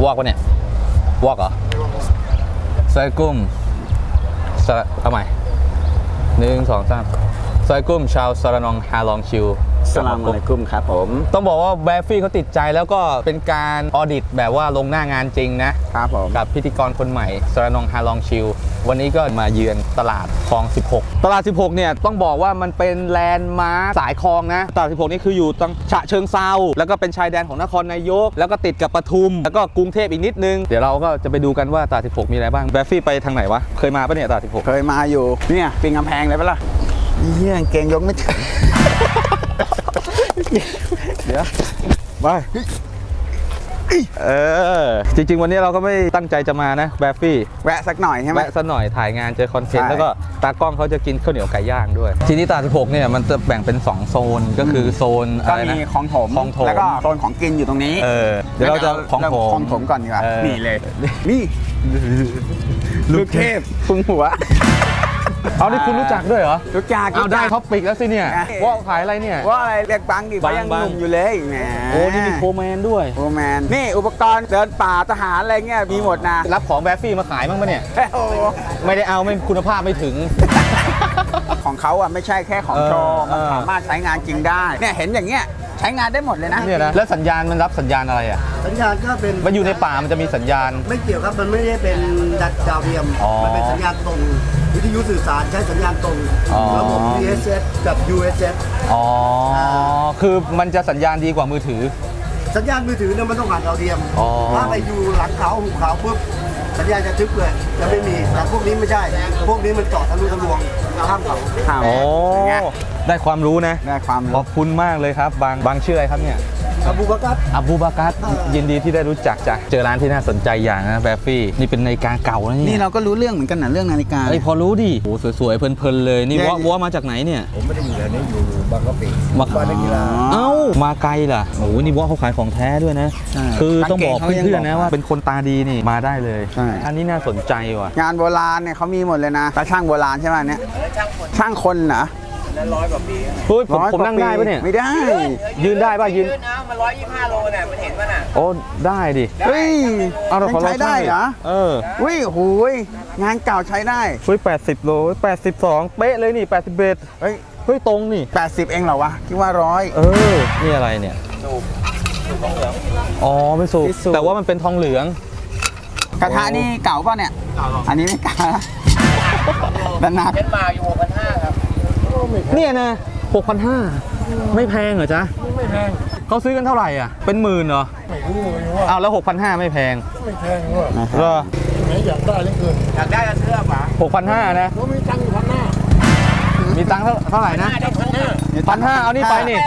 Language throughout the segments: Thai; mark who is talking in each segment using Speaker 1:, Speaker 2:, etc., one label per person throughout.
Speaker 1: วอกวะเนี่ยวอกเหรอซอยกุ้มเอาใหม่1 2 3ซอยกุ้มชาวสระนองฮาลองชิว
Speaker 2: สลามอะลัยกุมครับผม
Speaker 1: ต้องบอกว่าแบฟฟี่เขาติดใจแล้วก็เป็นการออดิตแบบว่าลงหน้างานจริงนะครับ
Speaker 2: ผม
Speaker 1: กับพิธีกรคนใหม่สระนองฮาลองชิววันนี้ก็มาเยือนตลาดคลอง16ตลาด16เนี่ยต้องบอกว่ามันเป็นแลนด์มาร์คสายคลองนะตลาด16นี่คืออยู่ตรงฉะเชิงเซาแล้วก็เป็นชายแดนของนครนายกแล้วก็ติดกับปทุมแล้วก็กรุงเทพอีกนิดนึงเดี๋ยวเราก็จะไปดูกันว่าตลาด16มีอะไรบ้างแบฟฟี่ไปทางไหนวะเคยมาปะเนี่ยตลาด16
Speaker 2: เคยมาอยู่เนี่ยปีนกำแพงเลยปะล่ะเฮียเกงยกไม่ถึงเดี๋ยวไป
Speaker 1: จริงๆวันนี้เราก็ไม่ตั้งใจจะมานะแบฟฟี่
Speaker 2: แวะสักหน่อยใช่ไหม
Speaker 1: แวะสักหน่อยถ่ายงานเจอคอนเทนต์แล้วก็ตากล้องเขาจะกินข้าวเหนียวไก่ย่างด้วยทีนี้ตลาด16เนี่ยมันจะแบ่งเป็น2โซนก็คือโซน
Speaker 2: ก็มีของถมแล้วก็โซนของกินอยู่ตรงนี้
Speaker 1: เดี๋ยวเราจะของ
Speaker 2: ถมก่อนดีกว่านี่เลยนี่ลูกเทพพุงหัว
Speaker 1: เอาที่คุณรู้จักด้วยเหรอ
Speaker 2: รู้จัก
Speaker 1: เอาได้ท็อปปิกแล้วสิเนี่ยว่าขายอะไรเนี่ย
Speaker 2: ว่าอะไรเรียกบังดิเขายังหนุ่มอยู่เลยแหม
Speaker 1: โอ้นี่มีโฟร์แมนด้วย
Speaker 2: โฟร์แมนนี่อุปกรณ์เดินป่าทหารอะไรเงี้ยมีหมดนะ
Speaker 1: รับของแบฟฟี่มาขายบ้างปะเนี่ยไม่ได้เอาไม่คุณภาพไม่ถึง
Speaker 2: ของเขาอ่ะไม่ใช่แค่ของโชว์มันสามารถใช้งานจริงได้เนี่ยเห็นอย่างเงี้ยใช้งานได้หมดเลยนะ
Speaker 1: เนี่ยนะแล้วสัญญาณมันรับสัญญาณอะไรอ่ะ
Speaker 3: สัญญาณก็เป็น
Speaker 1: มันอยู่ในป่ามันจะมีสัญญาณ
Speaker 3: ไม่เกี่ยวครับมันไม่ได้เป็นดาวเทียมมันเป็นสัญญาณตรงวิทยุสื่อสารใช้สัญญาณตรงระบบ VHF กับ UHF
Speaker 1: อ๋อคือมันจะสัญญาณดีกว่ามือถือ
Speaker 3: สัญญาณมือถือเนี่ยมันต้องผ่านดาวเทียมถ้าไปอยู่หลังเขาหุบเขาปุ๊บสัญญาณจะทึบเลยจะไม่มีแต่พวกนี้ไม่ใช่พวกนี้มันเจาะทะลุทะลวงข้ามเขา
Speaker 1: โอ้ได้ความรู้นะ
Speaker 2: ได้ความรู้
Speaker 1: ขอบคุณมากเลยครับบางชื่ออะไรครับเนี่ย
Speaker 3: อบูบากัส
Speaker 1: ยินดีที่ได้รู้จักจ้ะเจอร้านที่น่าสนใจอย่างนะแบฟฟี่นี่เป็นนาฬิกาเก่าแล้ว
Speaker 2: นี่เราก็รู้เรื่องเหมือนกันนะเรื่องนาฬิกา
Speaker 1: พอรู้ดิโอ้สวยๆเพลินๆเลยนี่ว่ามาจากไหนเนี่ย
Speaker 3: ผมไม่ได้อยู่แถวนี้อยู่บางกะปิ
Speaker 1: บ้านนักกีฬามาไกลล่ะโอ้นี่ว่าเขาขายของแท้ด้วยนะคือต้องบอกเพื่อนๆนะว่าเป็นคนตาดีนี่มาได้เลยอันนี้น่าสนใจว่ะ
Speaker 2: งานโบราณเนี่ยเขามีหมดเลยนะแต่ช่างโบราณใช่ไหมเนี่ยช่างคนเหรอ
Speaker 3: แล้ว100 กว่าปี
Speaker 1: เฮ้ยผมนั่งได้ปะเนี่ย
Speaker 2: ไม่ได้
Speaker 1: ยืนได้ป่ะยืน
Speaker 3: นะมัน125 โลเนี่ยมันเห็นป่ะน่ะ
Speaker 1: โอ้ได้ดิ
Speaker 2: เฮ้ย
Speaker 1: เรา
Speaker 2: ใช้ได้เหรออุ้ยโหยงานเก่าใช้ได้
Speaker 1: เฮ้ย80 โล82เป๊ะเลยนี่81เฮ้ยตรงนี่
Speaker 2: 80เองเหรอวะคิดว่า100
Speaker 1: นี่อะไรเนี่ยสูบทองเหลืองอ๋อไม่สูบแต่ว่ามันเป็นทองเหลือง
Speaker 2: กระทะนี่เก่าป่ะเนี่ยอันนี้ไม่เก่าด้านหน้า
Speaker 3: เป็นมาอยู่6,500ครับ
Speaker 1: เนี่ยนะ6,500ไม่แพงเหรอจ๊ะ
Speaker 3: ไม่แพง
Speaker 1: เขาซื้อกันเท่าไหร่อ่ะเป็นหมื่นเหรอ
Speaker 3: ไม่รู้เลยว่า
Speaker 1: เอาแล้ว6,500ไม่แพง
Speaker 3: เหรอไหนอยากได้เรื่องเกินอยากได้กันเสื้อป่ะ
Speaker 1: 6,500นะ
Speaker 3: มีตังค์1,500
Speaker 1: มีตังค์เท่าไหร่นะ1,500เอานี่ไปนี่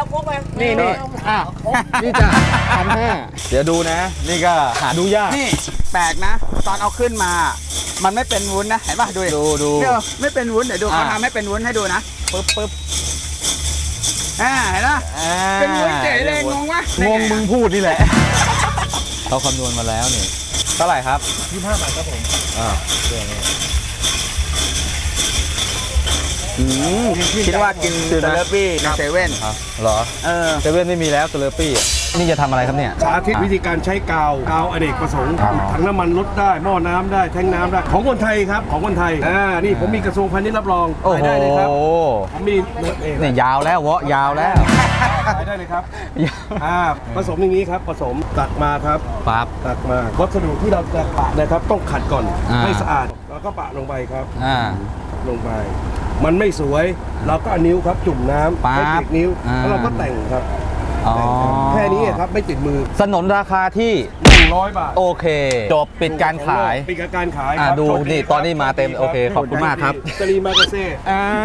Speaker 1: นี่จ้ะ1,500เดี๋ยวดูนะนี่ก็หาดูยาก
Speaker 2: นี่แปลกนะตอนเอาขึ้นมามันไม่เป็นวุ้นนะเห็นป่ะดูเดี๋ยวไม่เป็นวุ้นเดี๋ยวดูเขาทำให้เป็นวุ้นให้ดูนะปึ๊บเห็นไหมเป็นวุ้นเจ๋เลยงงวะ
Speaker 1: งงมึงพูดนี่แหละเขาคำนวณมาแล้วนี่เท่าไหร่ครับ
Speaker 3: 25 บาทครับผม
Speaker 2: คิดว่ากินเซเลปี้ในเซเว่น
Speaker 1: เหรอเซเว่นไม่มีแล้วเซเลปี้นี่จะทำอะไรครับเนี่ย
Speaker 4: สาธิตวิธีการใช้กาวอเนกประสงค์ถังน้ำมันลดได้หม้อน้ำได้แทงน้ำได้ของคนไทยครับของคนไทยนี่ผมมีกระทรวงพาณิชย์รับรองขายได้เลยครับผมมี
Speaker 1: นี่ยาวแล้วยาวแล้ว
Speaker 4: ขายได้เลยครับผสมอย่างนี้ครับผสมตักมาครับตักมาวัสดุที่เราจะปะนะครับต้องขัดก่อนให้สะอาดแล้วก็ปะลงไปครับลงไปมันไม่สวยเราก็เอานิ้วครับจุ่มน้ำให้ติดนิ้วแล้วเราก็แต่งครับแค่นี้ครับไม่ติดมือ
Speaker 1: สนนราคาที่
Speaker 4: 100 บาท
Speaker 1: โอเคจบปิดการขายดูนี่ตอนนี้มาเต็มโอเคขอบคุณมากครับ
Speaker 4: สลีมากาเซ่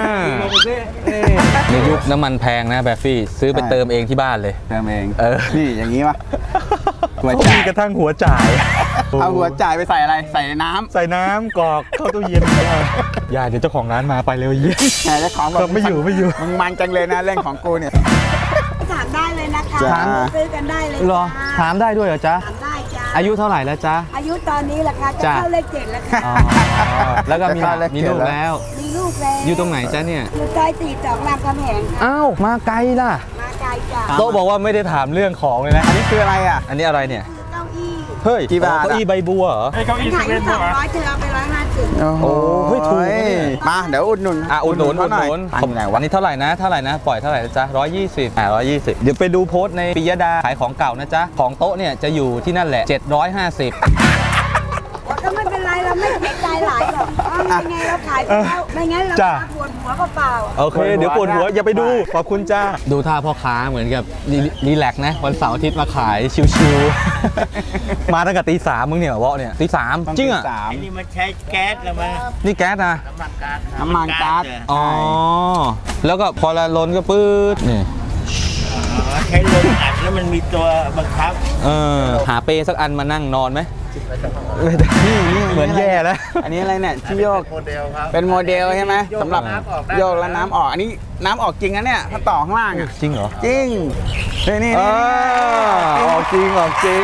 Speaker 1: ในยุคน้ำมันแพงนะแบฟฟี่ซื้อไปเติมเองที่บ้านเลย
Speaker 2: เติมเองนี่อย่างนี้ป่ะ
Speaker 1: มีกระทั่งหัวจ่าย
Speaker 2: เอาหัวจ่ายไปใส่อะไรใส่
Speaker 1: น้ำกรอกเข้าตู้เย็นอย่าเดี๋ยวเจ้าของร้านมาไปเร็วเยี่ย
Speaker 2: มเจ้าของแบบ
Speaker 1: ไม่อยู่
Speaker 2: มึงมันจังเลยนะเรื่องของกูเนี่ย
Speaker 5: ถามได้เลยนะคะซื้อกันได้เลย
Speaker 1: หรอถามได้ด้วยเหรอจ๊ะ
Speaker 5: ถามได้จ้ะ
Speaker 1: อายุเท่าไหร่แล้วจ๊ะ
Speaker 5: อายุตอนนี้แหละค่ะจะเข้าเลข 7แล้วค่ะ
Speaker 1: แล้วก็มีลูกแล้วอยู่ตรงไหนจ๊ะเนี่ย
Speaker 5: อยู่ซอย42 รามคำแหง
Speaker 1: อ้าวมาไกลล่ะ
Speaker 5: มาไกลจ้ะ
Speaker 1: โต๊ะบอกว่าไม่ได้ถามเรื่องของเลยนะ
Speaker 2: อันนี้คืออะไรอ่ะ
Speaker 1: อันนี้อะไรเนี่ย
Speaker 5: เก้าอี้
Speaker 1: เฮ้ย
Speaker 2: กี่บาทอะ
Speaker 1: เก้าอี้ใบบัวเหรอ
Speaker 5: ขายอยู่200เธอเอาไป150
Speaker 1: โอ้เฮ้ยถูกนะเนี่ย
Speaker 2: มาเดี๋ยวอุดหนุน
Speaker 1: อุดหนุน
Speaker 2: เขาหน่อย
Speaker 1: ขอบวันนี้เท่าไหร่นะปล่อยเท่าไหร่นะจ๊ะ120120 เดี๋ยวไปดูโพสต์ในปิยดาขายของเก่านะจ๊ะของโต๊ะเนี่ยจะอยู่ที่นั่นแหละ750
Speaker 5: ก็ไม่เป็นไรเราไม่เสียใจหลายหรอกไม่ไงเราขายไปแล้วไม่งั้นเรา
Speaker 1: จ้ะ
Speaker 5: ปวดหัวเปล่า
Speaker 1: โอเค เดี๋ยวปวดหัวอย่าไปดู ขอบคุณจ้า ดูท่าพ่อค้าเหมือนกับรีแลกซ์นะ วันเสาร์อาทิตย์มาขายชิวๆ มาตั้งแต่ตี 3มึงเนี่ยวะเนี่ยตี 3 จริงอ่ะ
Speaker 2: 3
Speaker 6: นี่มันใช้แก๊สแล้วมั้ย
Speaker 1: นี่แก๊สนะ
Speaker 6: น้ำมันก๊าซ
Speaker 2: น้ำมันก๊าซ
Speaker 1: อ๋อ แล้วก็พอละล้นก็ปื๊ดนี่
Speaker 6: ใช้ลมอัดแล้วมันมีตัวบังคับ
Speaker 1: หาเปสักอันมานั่งนอนไหมนี่เหมือนแย่แล้ว
Speaker 2: อันนี้อะไรเนี่ยที่โยก
Speaker 6: โมเดลครับ
Speaker 2: เป็นโมเดลใช่ไหม
Speaker 6: โยก
Speaker 2: สำหรับ
Speaker 6: น้ำออกได้
Speaker 2: โยกแล้วน้ำออกอันนี้น้ำออกจริงนะเนี่ยถ้าต่อข้างล่างอ่ะ
Speaker 1: จริงเหรอ
Speaker 2: จริงนี่
Speaker 1: ออกจริงออกจริง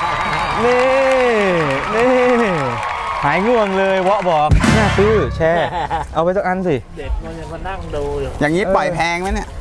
Speaker 1: นี่หายง่วงเลยวะบอกน่าซื้อแชร์เอาไปสักอันสิ
Speaker 6: เด็กมันจะมานั่งดูอยู่
Speaker 2: อย่างนี้ปล่อยแพงไหมเนี่ย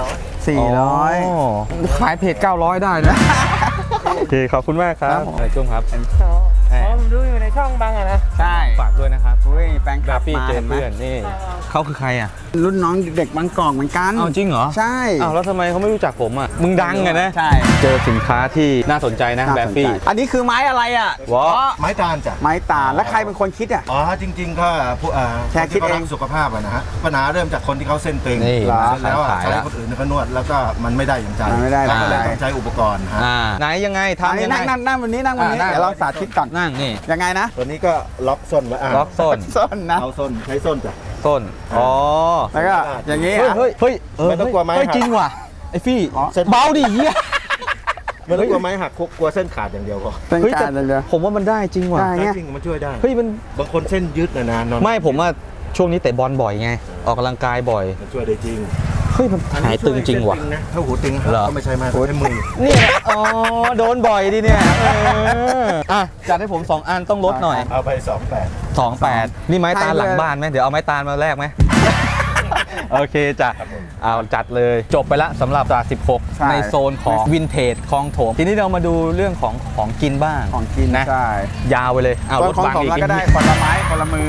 Speaker 6: 400
Speaker 1: ขายเพจ900 ได้นะ โอเค ขอบคุณมากครับอะไรจุ้มครับ
Speaker 6: อ๋อผมดูอยู่ในช่องบางอะนะ
Speaker 2: ใช่
Speaker 1: ฝากด้วยนะครับ
Speaker 2: อุ้ยแฟนค
Speaker 1: แบ
Speaker 2: ลับ
Speaker 1: ฟี่
Speaker 2: มา
Speaker 1: เจ
Speaker 2: เห็
Speaker 1: น
Speaker 2: นไหม
Speaker 1: เพื่อนนี่เขาคือใครอ่ะ
Speaker 2: รุ่นน้องเด็กบางกอกเหมือนกัน
Speaker 1: อ้าวจริงเหรอ
Speaker 2: ใช่
Speaker 1: อ้าวแล้วทำไมเขาไม่รู้จักผมอ่ะมึงดังไงนะ
Speaker 2: ใช่
Speaker 1: เจอสินค้าที่น่าสนใจนะ
Speaker 2: น่า
Speaker 1: แบ
Speaker 2: สน
Speaker 1: ฟี่
Speaker 2: ใจอันนี้คือไม้อะไรอ่ะ
Speaker 1: วะ
Speaker 3: ไม้ตาลจ้ะ
Speaker 2: ไม้ตาลแล้วใครเป็นคนคิดอ่ะ
Speaker 3: อ๋อจริง ๆ ก็ผู้
Speaker 2: แค่คิดเอง
Speaker 3: นที่ขารักสุขภาพอะนะฮะปัญหาเริ่มจากคนที่เขาเส้นตึง
Speaker 1: นี่
Speaker 3: เสร็จแล้วอะ
Speaker 1: ขาย
Speaker 3: ใช้
Speaker 1: แล้ว
Speaker 3: คนอื่นเขานวดแล้วก็มันไม่ได้อย่างใจ
Speaker 2: มันไม่ได้
Speaker 3: เราก็เลย
Speaker 2: ไม่ได้
Speaker 3: ต้องใช้อุปกรณ์ฮะ
Speaker 1: ไหนยังไงทำยังไง
Speaker 2: นั่งวันนี้นั่งวันนี้
Speaker 1: นั่ง
Speaker 2: เดี๋ยวเราสาธิตก่อน
Speaker 1: นั่งนี่
Speaker 2: ยังไงนะ
Speaker 3: ตัวนี้ก็ล็อกส้นไว้
Speaker 1: ล็อกส้น
Speaker 2: ส้นนะ
Speaker 3: เอาส้นใช้ส้นจ้ะ
Speaker 1: ส้นอ๋อ
Speaker 2: แล้วก็อย่างนี้
Speaker 1: เฮ้ย
Speaker 2: อ่ะ
Speaker 1: เฮ้ย
Speaker 3: ไม่ต้องกลัวไม้
Speaker 1: เฮ้ย
Speaker 3: หัก
Speaker 1: จริงว่ะไอ้ฟี่
Speaker 2: อ๋อ
Speaker 1: เบาดิเหี้ย
Speaker 3: ไม่ต้องกลัวไม้หักกลัวเส้นขาดอย่างเดียวก็
Speaker 2: เป็น
Speaker 1: เฮ้ย
Speaker 2: กา
Speaker 1: แต่
Speaker 2: รเลย
Speaker 1: ผมว่ามันได้จริงว่ะ
Speaker 2: ได้
Speaker 3: จริงมันช่วยได้
Speaker 1: เฮ้ยมัน
Speaker 3: บางคนเส้นยืดนานๆนอน
Speaker 1: ไม่ผมว่าช่วงนี้เตะบอลบ่อยไง ออกกำลังกายบ่อย
Speaker 3: มันช่วยได้จริง
Speaker 1: เฮ้ยมันหายตึงจริงว่ะ
Speaker 3: เส้นนะถ้าหูตึง
Speaker 1: เหรอ
Speaker 3: ก็ไม่ใช่ไม้ใช้มือ
Speaker 1: เนี่ยอ๋อโดนบ่อยดิเนี่ยอ่ะจัดให้ผม 2 อันต้องลดหน่อย
Speaker 3: เอาไป28
Speaker 1: 28 นี่ไม้ตาลหลังบ้านไหมเดี๋ยวเอาไม้ตาลมาแลกไหม โอเคจ้ะเอาจัดเลยจบไปละสำหรับตลาด
Speaker 2: ใช่
Speaker 1: 16 ในโซนของวินเทจคลองโถมทีนี้เรามาดูเรื่องของกินบ้าง
Speaker 2: ของกิน
Speaker 1: นะ
Speaker 2: ใช่
Speaker 1: ยาวไปเลยเอา
Speaker 2: ส่
Speaker 1: ร
Speaker 2: วน
Speaker 1: ถ
Speaker 2: ของ
Speaker 1: บัง
Speaker 2: ผม
Speaker 1: อีก
Speaker 2: แล้วก็ได้คนละไม้คนละมือ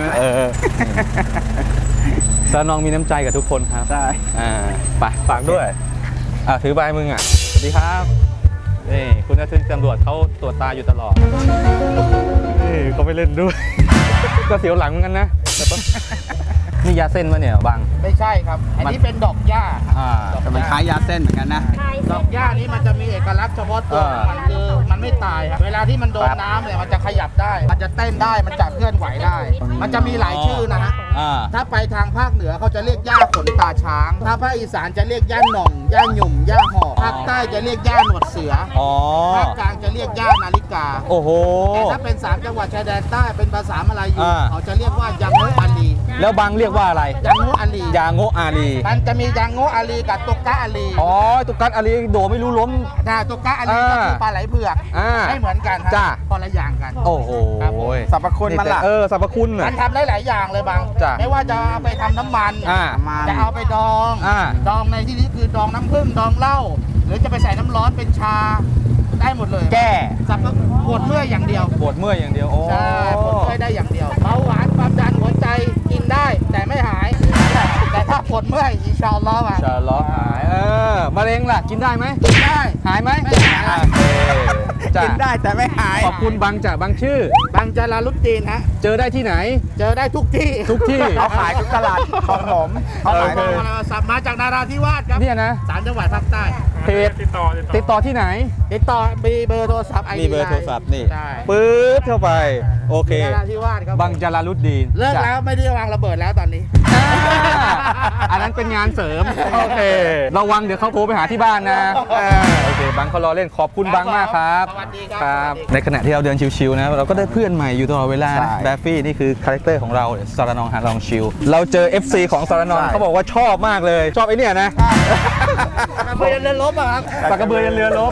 Speaker 1: ซานองมีน้ำใจกับทุกคนครับ
Speaker 2: ใช่
Speaker 1: ไปฝากด้วยถือใบมึงอ่ะสวัสดีครับนี่คุณนัทตำรวจเขาตรวจตาอยู่ตลอดนี่เขาไม่เล่นด้วย ก็เสียวหลังเหมือนกันนะแต่ต้องนี่ยาเส้นวะเนี่ยบัง
Speaker 6: ไม่ใช่ครับ อันนี้เป็นดอกหญ้า
Speaker 2: แต่มันคล้ายยาเส้นเหมือนกันนะ
Speaker 6: ดอกหญ้านี้มันจะมีเอกลักษณ์เฉพาะตัวของมันคือมันไม่ตายครับเวลาที่มันโดนน้ำเนี่ยมันจะขยับได้ มันจะเต้นได้ มันจะเคลื่อนไหวได้ มันจะมีหลายชื่อนะฮะ ถ้าไปทางภาคเหนือเขาจะเรียกหญ้าขนตาช้าง ถ้าภาคอีสานจะเรียกหญ้าหน่องหญ้าหยุ่มหญ้าหอกภาคใต้จะเรียกหญ้าหนวดเสือ
Speaker 1: อ๋อ
Speaker 6: ภาคกลางจะเรียกหญ้านาฬิกา
Speaker 1: โอ้โห
Speaker 6: แต่ถ้าเป็น3จังหวัดชายแดนใต้เป็นภาษามลายู
Speaker 1: อ่า
Speaker 6: เขาจะเรียกว่ายังโงอาลี
Speaker 1: แล้วบังเรียกว่าอะไร
Speaker 6: ยังโงอาลี
Speaker 1: ยาโงอาลี
Speaker 6: มันจะมียังโงอาลีกับตุกกะอาลี
Speaker 1: อ๋อตุกกัดอาลีโดไม่รู้ล้ม
Speaker 6: ตุกกะอาลีก็คือปลาไหลเผือก ไม่เหมือนกันฮะ
Speaker 1: จ้า
Speaker 6: คนละอย่างกัน
Speaker 1: โอ้โห
Speaker 6: ครับผม
Speaker 2: สรรพคุณมันล่ะ
Speaker 1: สรรพคุณ
Speaker 6: มั
Speaker 1: น่ะ
Speaker 6: นทำได้หลายอย่างเลยบาง
Speaker 1: จ้ะ
Speaker 6: ไม่ว่าจะเอาไปทำน้ำมัน
Speaker 2: มัน
Speaker 6: จะเอาไปดอง ดองในที่นี้คือดองน้ำผึ้งดองเหล้าหรือจะไปใส่น้ำร้อนเป็นชาได้หมดเลย
Speaker 1: แก้
Speaker 6: สับปวดเมื่อยอย่างเดียว
Speaker 1: ปวดเมื่อยอย่างเดียวโอ้
Speaker 6: ใช่ปวดเมื่อยได้อย่างเดียวเบาหวานความดันหัวใจกินได้แต่ไม่หาย แต่ถ้าปวดเมื่อยอินชาอัลลอฮ์อ่ะ
Speaker 1: ชาล้อหายมะเร็งล่ะกินได้ไหม
Speaker 6: กินได้
Speaker 1: หายไหม
Speaker 6: ไม่หาย
Speaker 1: โอเคจ้ะ
Speaker 2: กินได้แต่ไม่หาย
Speaker 1: ขอบคุณบังจ้ะบังชื่อ
Speaker 6: บางจาราลุดจีนฮะ
Speaker 1: เจอได้ที่ไหน
Speaker 6: เจอได้ทุกที่
Speaker 1: ทุกที่
Speaker 2: เขาขายทุกตลาดของผมเขา
Speaker 6: เขา
Speaker 2: ขาย
Speaker 6: สับมาจากนาราธิวาสครับ
Speaker 1: เนี่ยนะ
Speaker 6: 3 จังหวัดภาคใต้
Speaker 1: เพจติดต่อที่ไหน
Speaker 6: ติดต่อมีเบอร์โทรศัพท์ ID
Speaker 1: มีเบอร์โทรศัพท์นี่
Speaker 6: ใช่
Speaker 1: ปื๊ดเข้าไป โอเค
Speaker 6: นาราธิวาสครับ
Speaker 1: บังจาราลุดดีน
Speaker 6: เลิกแล้วไม่ได้วางระเบิดแล้วตอนนี้
Speaker 1: อ่าอันนั้นเป็นงานเสริม โอเค ระวังเดี๋ยวเขาโทรไปหาที่บ้านนะโอเค บังเขารอเล่นขอบคุณบังมากครับ
Speaker 6: สวัสดีครับ
Speaker 1: ในขณะที่เราเดินชิวๆนะเราก็ได้เพื่อนใหม่อยู่ตลอดเวลา
Speaker 2: ใช่
Speaker 1: นะแบฟฟี่นี่คือคาแรคเตอร์ของเราสารนองฮาลองชิลเราเจอ FC ของสารนอง
Speaker 2: ใช่
Speaker 1: เขาบอกว่าชอบมากเลย ชอบไอ้เนี่ยนะ
Speaker 6: เพื่อนเล่นลบอะครับ
Speaker 1: ปากกระเบือยันเรือลบฝาก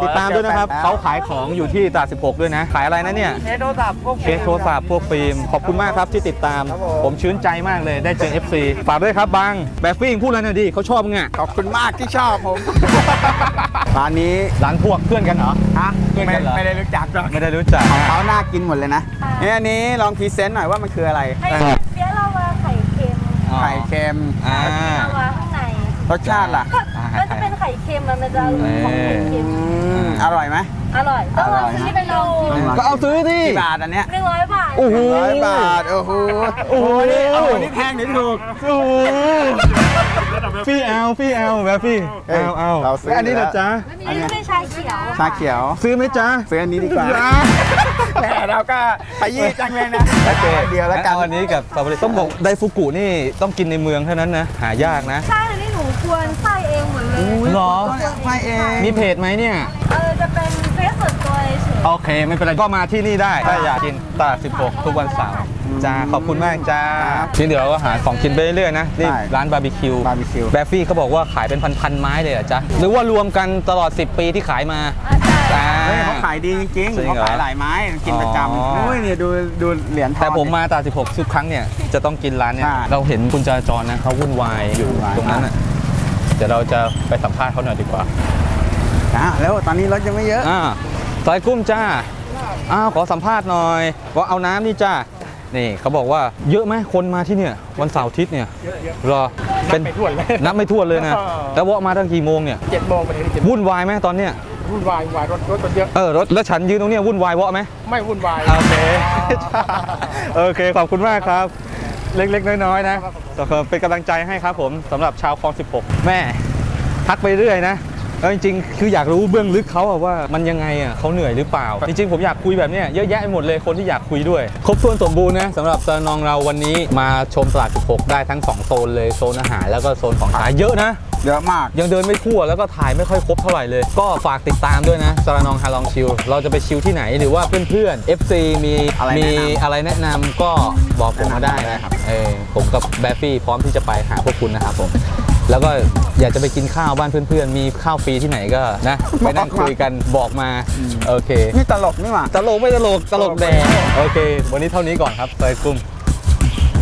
Speaker 1: ติดตามด้วยนะครับเขาขายของอยู่ที่ตลาด16ด้วยนะขายอะไรนะเนี่ย
Speaker 2: เคสโทรศัพท์พวก
Speaker 1: เคสโทรศัพท์พวกฟิล์มขอบคุณมากครับที่ติดตาม ผมชื่นใจมากเลยได้เจอ FC ฝากด้วยครับบังแบบฟิ้งพูดอะไรหน่อยดิเขาชอบมึงอ่ะ
Speaker 2: ขอบคุณมากที่ชอบผม ร้านนี้
Speaker 1: ร้านพวกเพื่อนกันเหรอ
Speaker 2: ฮะ
Speaker 1: เพื่อนกันเหรอ
Speaker 2: ไม่ได้รู้จักหรอก
Speaker 1: ไม่ได้รู้จัก
Speaker 2: ของเขาน่ากินหมดเลยนะเนี่ยอันนี้ลองพรีเซนต์หน่อยว่ามันคืออะไร
Speaker 5: ไข่เปี๊ยะลาวาไข่เค็ม
Speaker 2: ไข่เค็ม
Speaker 1: อ่า
Speaker 5: ลาวาข้างใน
Speaker 2: รสชาติล่ะ
Speaker 5: ก็จะเป็นไข่เค็มมันจะของไข่เค็ม
Speaker 2: อร่อยไหม
Speaker 5: อร่อยต้องลองซื้อไปลองชิม
Speaker 1: ก็เอาซื้อดิ
Speaker 2: กี่บาทอันเนี้ย
Speaker 5: 100 บาท
Speaker 1: โอ้โห
Speaker 2: 100 บาท โอ้โห
Speaker 1: โอ้โห
Speaker 2: นี่เอาอันนี้แพงหรือถูก
Speaker 1: โอ้โหพี่เอาแบบพี่เอา
Speaker 2: เราซื้อ
Speaker 1: แล้วอันนี้นะจ๊ะ
Speaker 5: อันนี้เป็นชาเขียว
Speaker 2: ชาเขียว
Speaker 1: ซื้อไหมจ๊ะ
Speaker 2: ซื้ออันนี้ดีกว่าแหมเราก็ขยี้จังเลยนะเดียวแล้วกัน
Speaker 1: เอาอันนี้กับสตรอเบอรี่ต้องบอกไดฟุกุนี่ต้องกินในเมืองเท่านั้นนะหายากนะ
Speaker 5: ใช่อันนี้หนูควรไส้เองหมดเลย
Speaker 1: หรอ
Speaker 2: ไม่เอง
Speaker 1: มีเพจไหมเนี่ย
Speaker 5: จะเป็นเฟซส่วนตัวเฉย
Speaker 1: โอเค ไม่เป็นไร ก็มาที่นี่ได้ ถ้าอยากกินตลาด16 ทุกวันเสาร์จ้า ขอบคุณมากจ้าทีเดี๋ยวเราก็หาของกินไปเรื่อยๆนะ นี่ร้านบาร์บีคิว
Speaker 2: บาร์บีคิว
Speaker 1: แบฟฟี่เขาบอกว่าขายเป็นพันๆไม้เลยเหรอจ๊ะ หรือว่ารวมกันตลอด 10 ปีที่ขายมา
Speaker 5: ใช่
Speaker 2: เฮ้ยเขาขายดีจริง
Speaker 1: จริง
Speaker 2: ๆเขา
Speaker 1: เหรอ
Speaker 2: ขายหลายไม้กินประจ
Speaker 1: อ๋อ
Speaker 2: ำโอ้ยเนี่ยดูเหรียญทอง
Speaker 1: แต่ผมมาตลาด16 ทุกครั้งเนี่ยจะต้องกินร้านเนี่ย
Speaker 2: ใช่
Speaker 1: เราเห็นคุณจราจรนะเขาวุ่นวายอยู่ตรงนั้นน่ะเดี๋ยวเราจะไปสัมภาษณ์เขาหน่อยดีกว่า
Speaker 2: แล้วตอนนี้รถยังไม่เยอะ
Speaker 1: ซอยกุ้มจ้าขอสัมภาษณ์หน่อยว่าเอาน้ำนี่จ้านี่เขาบอกว่าเยอะไหมคนมาที่เนี่ยวันเสาร์อาทิตย์เนี่ยรอเป็นไม่ถ้วนเลยนับไม่ถ้วนเลยนะแล้วว่ามาตั้งกี่โมงเนี่ย
Speaker 6: 7 โมงไปถึง7
Speaker 1: วุ่นวายไหมตอนเนี้ย
Speaker 6: วุ่นวายรถเยอะ
Speaker 1: รถแล้วฉันยืนตรงเนี้ยวุ่นวายวะไหม
Speaker 6: ไม่วุ่นวาย
Speaker 1: โอเค โอเคขอบคุณมากครับ เล็กๆน้อยๆนะเป็นกำลังใจให้ครับผมสำหรับชาวคลอง16 แม่ทักไปเรื่อยนะจริงๆคืออยากรู้เบื้องลึกเขาว่ามันยังไงเขาเหนื่อยหรือเปล่า จริงๆผมอยากคุยแบบเนี้ยเยอะแยะไปหมดเลยคนที่อยากคุยด้วยครบถ้วนสมบูรณ์นะสำหรับตะนองเราวันนี้มาชมตลาด16ได้ทั้ง2โซนเลยโซนอาหารแล้วก็โซนของขายเยอะนะ
Speaker 2: เยอะมาก
Speaker 1: ยังเดินไม่ทั่วแล้วก็ถ่ายไม่ค่อยครบเท่าไหร่เลย ก็ฝากติดตามด้วยนะสระนองฮาลองชิลเราจะไปชิลที่ไหนหรือว่าเพื่อนๆ FC มีอะไรแนะนำก็บอกผมมาได้นะผมกับแบฟฟี่พร้อมที่จะไปหาพวกคุณนะครับผมแล้วก็อยากจะไปกินข้าวบ้านเพื่อนๆมีข้าวฟรีที่ไหนก็นะไปนั่งคุยกันบอกมาโอเค
Speaker 2: นี่ตลกนี่หว่า
Speaker 1: ตลกไม่ตลกแดงโอเค วันนี้เท่านี้ก่อนครับไปกลุ่ม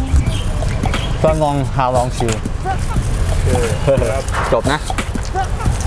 Speaker 1: สระนองฮาลองชิลจบนะ